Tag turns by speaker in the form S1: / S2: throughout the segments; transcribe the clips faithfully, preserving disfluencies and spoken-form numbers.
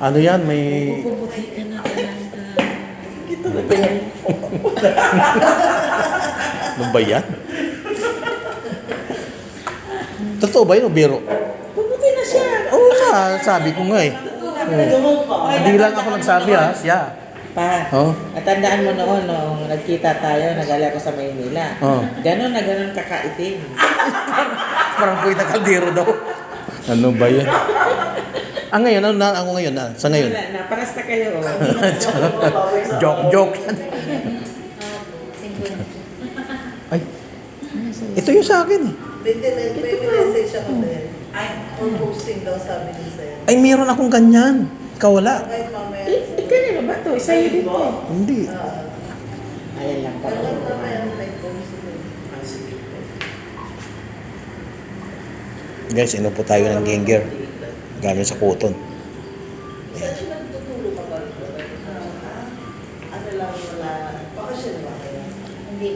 S1: Ano yan, may...
S2: Puputi ka na talaga.
S1: Ano ba yan? Totoo ba yun o biro?
S2: Puputi na siya.
S1: Oo nga, sabi ko nga eh. Oh. Hindi lang ako nagsabi ha, siya.
S2: Pa,
S1: Oh.
S2: natandaan mo noon nung nagkita tayo, nagali ako sa Maynila.
S1: Oh.
S2: Ganon na ganon kakaitim.
S1: Parang puwit na kaldero daw. Ano ba yan? Ah, ngayon, ano na ako ngayon? Ah, sa ngayon?
S2: Wala na, paras na kayo.
S1: Joke, joke. Ay, ito yung sa akin eh.
S3: Hindi, may message ako din. Or posting daw sabi ni Sir.
S1: Ay, meron akong ganyan. Ikaw wala.
S3: Kahit mamaya.
S2: Eh, eh, kanino ba ito? Sa'yo din to.
S1: Hindi.
S2: Ayan lang pala.
S3: Hanggang mamaya nag-post din.
S1: Guys, ino po tayo ng ginger. Galing sa cotton.
S3: Saan siya nagtutulog ka ba? Ah, Ano lang wala. Bakasyon ba kaya?
S4: Hindi.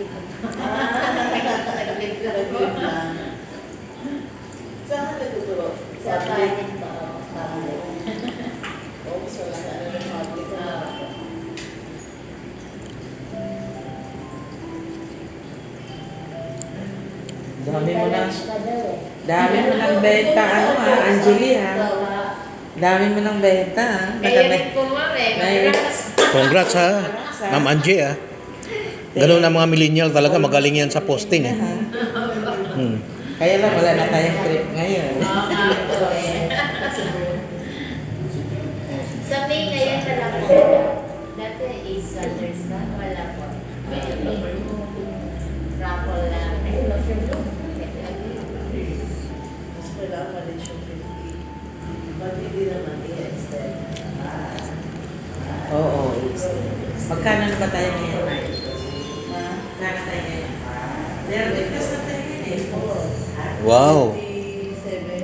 S3: Nag-live lang. Saan ka nagtutulog?
S4: Sa kanin ba?
S3: Oo, so wala ka na ng public.
S2: Dami mo na.
S4: Lunch pa daw eh.
S2: Dami mo ng benta, ano ha, Angeli ha. Dami mo ng benta ha.
S4: Mayroon po ma'am eh.
S2: May-
S1: Congrats ha, Ma'am Angie ha. Ganun ang mga millennial talaga, magaling yan sa posting eh. Hmm.
S2: Kaya lang wala na tayong trip ngayon.
S4: Sa May ngayon na lang po. Dati is Sundays ba? Wala po. May raffle na.
S3: Mas kailangan malit yung fifty. Ba't hindi naman i-extend?
S2: Oo, is. Magkano na ba tayo ngayon?
S3: Ha?
S2: Magkano tayo ngayon? Pero ligtas na tayo ngayon eh.
S1: Wow,
S3: fifty-seven?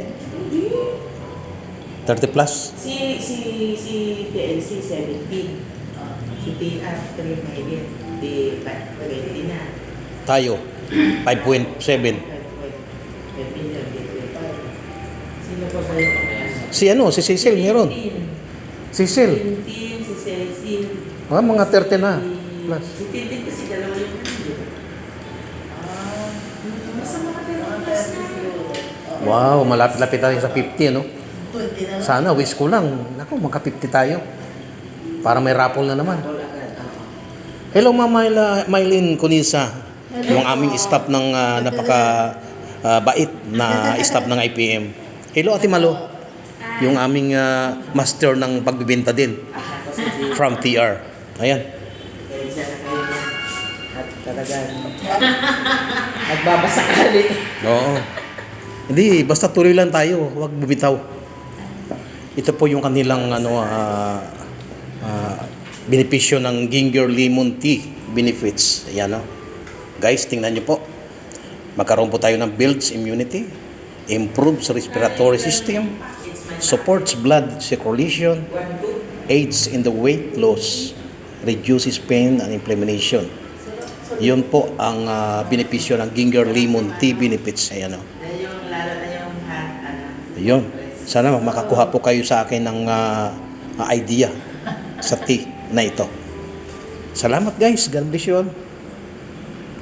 S1: thirty plus.
S2: Si, si, si T L C seventeen. Si T R three million. Di twenty na.
S1: Tayo, five point seven.
S2: five million. Sino po sa'yo kamayan?
S1: Si ano, si Cecil meron. Cecil,
S2: Tintin, si Cecil.
S1: ah, mga thirty na plus.
S2: Si Tintin kasi dalawa yung kanil.
S3: Ah,
S2: Basta mga dalawa
S3: mga
S2: plus
S3: thirty
S2: na.
S3: siguro. Oo.
S1: Wow, malapit-lapit tayo sa fifty, no?
S3: twenty na.
S1: Sana, wish ko lang. Naku, magka fifty tayo. Para may raffle na naman.
S2: Wala agad. Oo.
S1: Hello, Ma'am Myla, Mylene Conisa. Yung aming staff ng ah, napaka ah, bait na staff ng I P M. Hello, Ate Malo. Yung aming ah, master ng pagbibenta din
S2: Ako si Jay.
S1: from T R. Ayan.
S2: Kaya siya na kayo na. At talagang nagbabasakali.
S1: Oo. Hindi, basta tuloy lang tayo. Huwag bumitaw. Ito po yung kanilang ano, ah, ah, benepisyo ng ginger lemon tea benefits. Ayan o. Guys, tingnan nyo po. Magkaroon po tayo ng builds immunity, improves respiratory system, supports blood circulation, aids in the weight loss, reduces pain and inflammation. Yun po ang ah, benepisyo ng ginger lemon tea benefits. Ayan o.
S2: Yan yung lalo na yung hat, ano.
S1: Ayun. Sana makakuha po kayo sa akin ng ah, ah, idea sa tea na ito. Salamat guys. God bless you all.